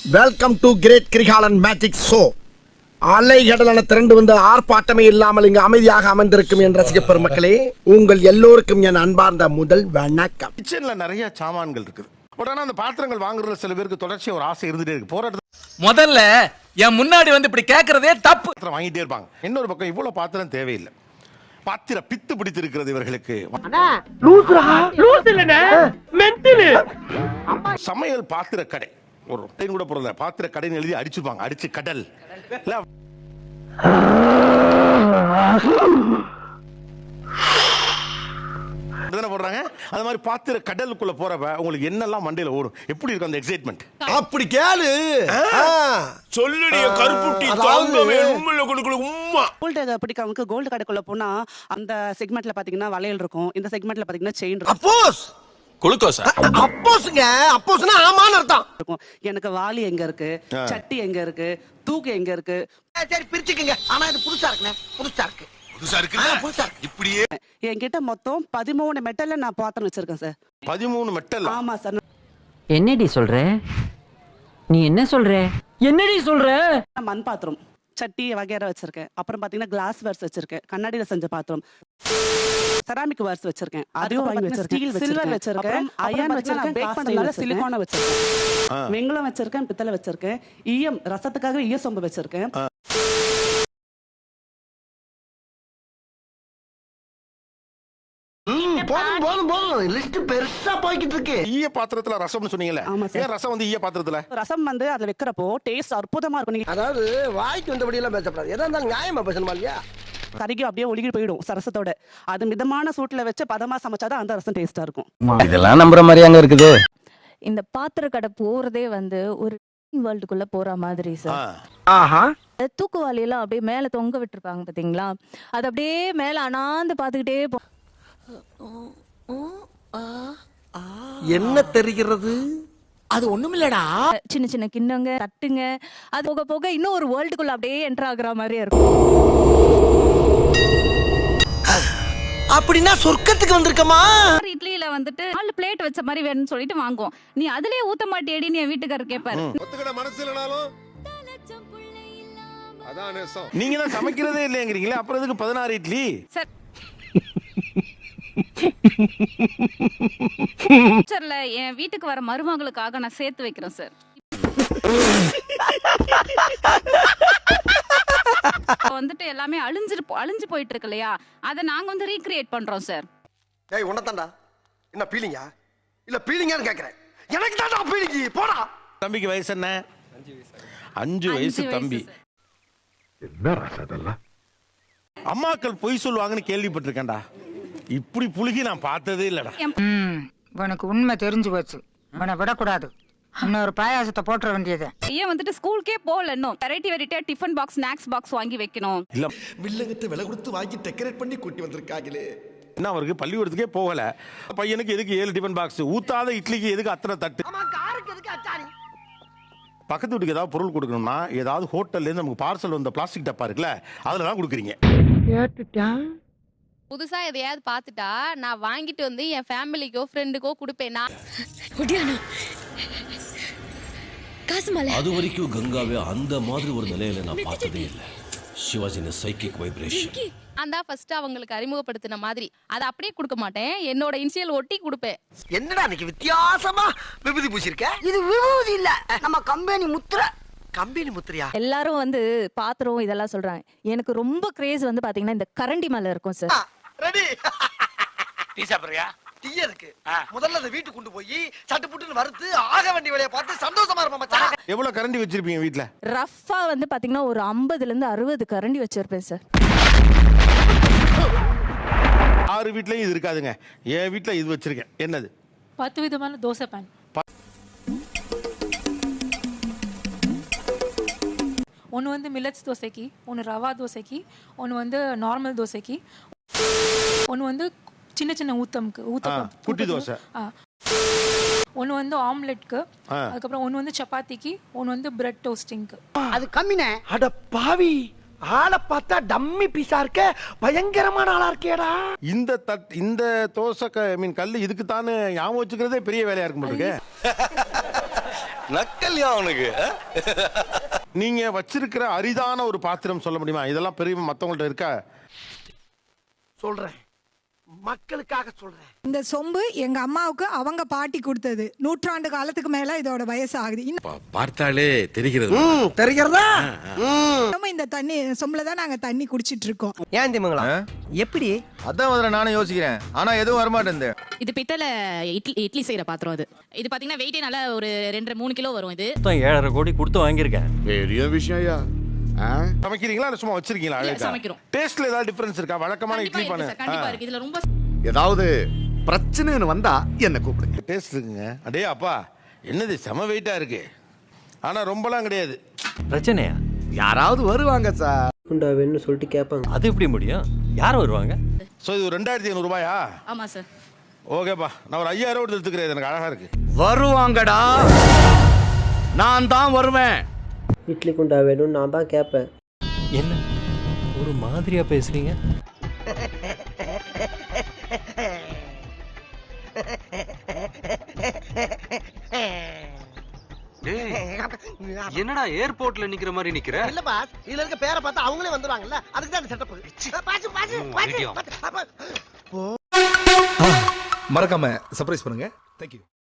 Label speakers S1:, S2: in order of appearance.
S1: Welcome to great Kirikalan magic show. அலைகடலான திரண்டு வந்து ஆர்ப்பாட்டமே இல்லாமல் இங்கு அமைதியாக அமர்ந்திருக்கும் என் ரசிக பெருமக்களே, உங்கள் எல்லோருக்கும் என் அன்பார்ந்த முதல் வணக்கம்.
S2: கிச்சன்ல நிறைய சாமான்கள் இருக்குது. உடனே அந்த பாத்திரங்கள் வாங்குறதுல சில பேருக்கு தொடர்ச்சியா ஒரு ஆசை இருந்துட்டே இருக்கு. போராட்டத்துல
S3: முதல்ல என் முன்னாடி வந்து இப்படி கேக்குறதே தப்பு.
S2: பாத்திரம் வாங்கிட்டே இருப்பாங்க. இன்னொரு பக்கம் இவ்வளவு பாத்திரம் தேவையில்லை. பாத்திர பித்து பிடித்து இருக்கிறது இவர்களுக்கு. சமையல் பாத்திர கடை, ஒரு கூட போறல பாத்திர கடைன்னு எழுதி அடிச்சுப்பாங்க. அடிச்சு கடல் போடுறாங்க. அது மாதிரி பாத்திர கடலுக்குள்ள போறப்ப உங்களுக்கு என்னெல்லாம் மண்டையில ஓடும், எப்படி இருக்கும் அந்த எக்ஸைட்மெண்ட்?
S1: அப்படி கேளு
S4: சொல்லுடைய கருப்புட்டி தாங்கவே உம்முல கொடுக்கல உம்மா.
S5: கோல்டு பிடிக்கிறவங்களுக்கு கோல்டு கடைக்குள்ள போனா அந்த செக்மெண்ட்ல பாத்தீங்கன்னா வளையல் இருக்கும், இந்த செக்மெண்ட்ல பாத்தீங்கன்னா செயின் இருக்கும்.
S1: அப்போஸ்
S4: குளுக்கோஸ்
S1: அப்போஸ்ங்க, அப்போஸ்னா ஆமான்னு அர்த்தம்.
S5: எனக்கு வாளி எங்க இருக்கு, சட்டி எங்க இருக்கு, தூக்கு எங்க இருக்கு.
S1: சரி பிரிச்சுக்கங்க. ஆனா இது புதுசா இருக்குனே, புதுசா இருக்கு.
S4: புதுசா இருக்குல்ல, இப்படியே
S5: என்கிட்ட மொத்தம் 13 மெட்டல்ல நான் பாத்திரம் வச்சிருக்கேன் சார்.
S2: 13 மெட்டல்?
S5: ஆமா சார்.
S6: என்னடி சொல்ற? நீ என்ன சொல்ற? என்னடி சொல்ற?
S5: மண் பாத்திரம், சட்டி வகையற வச்சிருக்கேன். அப்புறம் பாத்தீங்கன்னா கிளாஸ் வேர்ஸ் வச்சிருக்கேன், கண்ணாடியில செஞ்ச பாத்திரம். செராமிக் வேர்ஸ் வச்சிருக்கேன், அதையும் வாங்கி வச்சிருக்கேன். சில்வர் வச்சிருக்கேன், அயர்ன் வச்சிருக்கேன், பேக் பண்ணதுனால சிலிகான் வச்சிருக்கேன், வெங்கலம் வச்சிருக்கேன், பித்தளை வச்சிருக்கேன், ஈயம் ரசத்துக்காக ஈய சொம்பு வச்சிருக்கேன்.
S1: போதும் போதும் போதும், லிஸ்ட் பெருசா போய்கிட்டு இருக்கு.
S2: ஈய பாத்திரத்துல ரசம்னு சொன்னீங்கல்ல, ஏன் ரசம் வந்து ஈய பாத்திரத்துல?
S5: ரசம் வந்து அதுல வைக்கிறப்போ டேஸ்ட் அற்புதமா இருக்கும். நீங்க
S1: அதாவது வாய்க்கு வந்தபடி எல்லாம் பேசப்படாது, எதா இருந்தாலும் நியாயமா பேசணுமா இல்லையா?
S5: கறிக்கு அப்படியே ஒழுகி போயிடும் ரசத்தோட. அது மிதமான சூட்ல வச்சு பதமா சமைச்சாதான் அந்த ரசம் டேஸ்டா இருக்கும்.
S6: இதெல்லாம் நம்புற மாதிரி அங்க இருக்குது.
S7: இந்த பாத்திர கடை போறதே வந்து ஒரு வேர்ல்டுக்குள்ள போற மாதிரி சார்.
S1: ஆஹா,
S7: தூக்குவாளி எல்லாம் அப்படியே மேல தொங்க விட்டுருப்பாங்க பாத்தீங்களா, அது அப்படியே மேல அனாந்து பாத்துக்கிட்டே
S1: என்ன தெரிகிறது?
S3: அது ஒண்ணுமில்லடா.
S7: சின்ன சின்ன கிண்ணங்க தட்டுங்க, அது போக போக இன்னும் ஒரு வேர்ல்டுக்குள்ள அப்படியே என்டர் ஆகுற மாதிரியே இருக்கும்.
S1: அப்படின்னா சொர்க்கத்துக்கு வந்திருக்கமா?
S8: இட்லியில வந்துட்டு 4 பிளேட் வச்ச மாதிரி வேணும்னு சொல்லிட்டு வாங்குவோம். நீ அதுலயே ஊத்த மாட்டியேடின்னு என் வீட்டுக்காரர் கேட்பாரு.
S4: ஒத்துக்கிட மனசு இல்லனாலும் அதான் நேசம்.
S2: நீங்க தான் சமைக்கிறதே இல்லைங்கிறீங்களே, அப்புறம் எதுக்கு 16 இட்லி?
S8: சார் ஃபியூச்சர்ல என் வீட்டுக்கு வர மருமகளுக்காக நான் சேர்த்து வைக்கிறேன் சார். வந்துட்டு எல்லாமே அழிஞ்சு போயிட்டு இருக்கு இல்லையா, அதை நாங்க வந்து ரீக்ரியேட் பண்றோம் சார்.
S1: ஏய் உன்னதான்டா, என்ன பீலிங்கா இல்ல பீலிங்கான்னு கேக்குறேன். எனக்கு தான்டா பீலிங்கி, போடா.
S2: தம்பிக்கு வயசு என்ன? 5 வயசு தம்பி.
S4: என்ன ரசதெல்லாம்
S2: அம்மாக்கள் பொய் சொல்லுவாங்கன்னு கேள்விப்பட்டிருக்கேன்டா, இப்படி புழுகி நான் பார்த்ததே இல்லடா.
S9: உனக்கு உண்மை தெரிஞ்சு போச்சு, உன்னை விடக்கூடாது. இன்னொரு பாயாசத்தை போட்டுற வேண்டியது.
S8: ஏன் வந்துட்டு ஸ்கூலுக்கே போகல, இன்னும் வெரைட்டியா டிஃபன் பாக்ஸ் ஸ்நாக்ஸ் பாக்ஸ் வாங்கி வைக்கணும்.
S2: இல்ல
S1: வில்லங்கத்தை விலை கொடுத்து வாங்கி டெக்கரேட் பண்ணி கூட்டி வந்திருக்காங்களே.
S2: என்ன அவருக்கு பள்ளிக்கூடத்துக்கே போகல, பையனுக்கு எதுக்கு 7 டிஃபன் பாக்ஸ், ஊத்தாத இட்லிக்கு எதுக்கு அத்தனை தட்டு? பக்கத்து வீட்டுக்கு ஏதாவது பொருள் கொடுக்கணும்னா ஏதாவது ஹோட்டல்ல இருந்து நமக்கு பார்சல் வந்த பிளாஸ்டிக் டப்பா இருக்குல்ல, அதுல தான் கொடுக்குறீங்க.
S8: புதுசா எதையாவது பார்த்துட்டா நான் வாங்கிட்டு வந்து என் ஃபேமிலிக்கோ ஃப்ரெண்டுக்கோ கொடுப்பேன்.
S10: அது வரைக்கும் கங்காவே அந்த மாதிரி ஒரு நிலையில நான் பார்த்ததே இல்லை. சிவாஜின சைக்கிக் வைப்ரேஷன்
S8: அந்த ஃபர்ஸ்ட் அவங்களுக்கு அறிமுகப்படுத்தின மாதிரி அதை அப்படியே கொடுக்க மாட்டேன், என்னோட இனிஷியல் ஒட்டி கொடுப்பேன்.
S1: என்னடா இன்னைக்கு வித்தியாசமா விபூதி பூசிருக்க? இது விபூதி இல்ல, நம்ம கம்பெனி முத்திரை. கம்பெனி முத்திரையா?
S7: எல்லாரும் வந்து பாத்திரம் இதெல்லாம் சொல்றாங்க. எனக்கு ரொம்ப கிரேஸ் வந்து பாத்தீங்கன்னா இந்த கரண்டி மேல இருக்கும் சார்.
S1: ரெடி?
S4: டீ சாப்பிடுறியா?
S1: டீ இருக்கு. முதல்ல அதை வீட்டுக்கு கொண்டு போய் சட்டு புட்டுன்னு வறுத்து ஆக வேண்டிய வேலையை பார்த்து சந்தோஷமா இருப்போம் மச்சான்.
S2: எவ்வளவு கரண்டி வச்சிருப்பீங்க வீட்ல?
S7: ரஃபா வந்து பாத்தீங்கன்னா ஒரு 50ல இருந்து 60 கரண்டி வச்சிருப்பேன் சார்.
S2: 6 வீட்லயும் இது இருக்காதுங்க, என் வீட்ல இது வச்சிருக்கேன். என்னது?
S8: 10 விதமான தோசை பேன். ஒன்று வந்து மில்லட்ஸ் தோசைக்கு, ஒன்று ரவா தோசைக்கு, ஒன்று வந்து நார்மல் தோசைக்கு, ஒன்று வந்து சின்ன சின்ன
S2: குட்டி தோசை,
S8: ஒன்று வந்து ஆம்லெட்க்கு, அதுக்கப்புறம் ஒன்று வந்து சப்பாத்திக்கு, ஒன்று வந்து பிரெட் டோஸ்டிங்க்கு.
S1: அது கம்மினே. அட பாவி, ஆளை பார்த்தா டம்மி பீஸா இருக்க, பயங்கரமான ஆளா இருக்கேடா.
S2: இந்த தோசை கல்லு இதுக்கு தானே ஞாபகம் வச்சுக்கிறதே பெரிய வேலையா இருக்கும் போல இருக்கு.
S10: நக்கல்யா அவனுக்கு
S2: நீங்க வச்சிருக்கிற அரிதான ஒரு பாத்திரம் சொல்ல முடியுமா? இதெல்லாம் பெரிய மத்தவங்கள்ட்ட இருக்கா?
S1: சொல்றேன், மக்களுக்காக சொல்றேன்.
S9: இந்த சொம்பு எங்க அம்மாவுக்கு அவங்க பாட்டி கொடுத்தது. 100 ஆண்டு காலத்துக்கு மேல இதோட வயசு ஆகுது.
S10: பார்த்தாலே தெரிகிறது.
S1: தெரிகிறதா?
S9: இன்னும் இந்த தண்ணி சொம்புல தான் நாங்க தண்ணி குடிச்சிட்டு இருக்கோம்.
S1: ஏன் திமுங்களா? எப்படி?
S3: அதான் முதல்ல நானும் யோசிக்கிறேன், ஆனா எதுவும் வரமாட்டேன்.
S8: இது பித்தளை இட்லி செய்யற பாத்திரம். அது இது பாத்தீங்கன்னா வெயிட்டே நல்லா ஒரு 2.5-3 கிலோ வரும். இது
S10: 7.5 கோடி கொடுத்து வாங்கியிருக்கேன்.
S4: பெரிய விஷயம்யா.
S2: சமைக்கிறீங்களா இல்ல சும்மா வச்சிருக்கீங்களா?
S8: சமைக்கிறோம்.
S2: டேஸ்ட்ல ஏதாவது டிஃபரன்ஸ் இருக்கா? வழக்கமான இட்லி பண்ண
S8: கண்டிப்பா இருக்கு. இதுல ரொம்ப
S4: ஏதாவது பிரச்சனைன்னு வந்தா என்ன கூப்பிடுங்க.
S2: டேஸ்ட் இருக்குங்க. அடே அப்பா, என்னது செம வெயிட்டா இருக்கு. ஆனா ரொம்பலாம் கிடையாது.
S10: பிரச்சனையா?
S4: யாராவது வருவாங்க சார்.
S6: குண்டாவேன்னு சொல்லிட்டு கேட்பாங்க.
S10: அது எப்படி முடியும்? யார் வருவாங்க?
S2: சோ இது 2500 ரூபாயா?
S8: ஆமா சார்.
S2: ஓகேப்பா, நான் ஒரு 5000 ரூபாய் எடுத்துக்கிறேன். எனக்கு அழகா இருக்கு.
S4: வருவாங்கடா, நான் தான் வருவேன்.
S6: இட்லி குண்டா வேணும்னு நான் தான் கேட்பேன்.
S10: என்ன ஒரு மாதிரியா பேசுறீங்க?
S3: என்னடா ஏர்போர்ட்ல நிக்கிற மாதிரி நிக்கிற?
S1: இல்ல பாஸ், இதுல இருக்க பேரை பார்த்தா அவங்களே வந்துருவாங்கல்ல, அதுக்கு தான் செட்டப்.
S3: மறக்காம சர்ப்ரைஸ் பண்ணுங்க. தேங்க்யூ.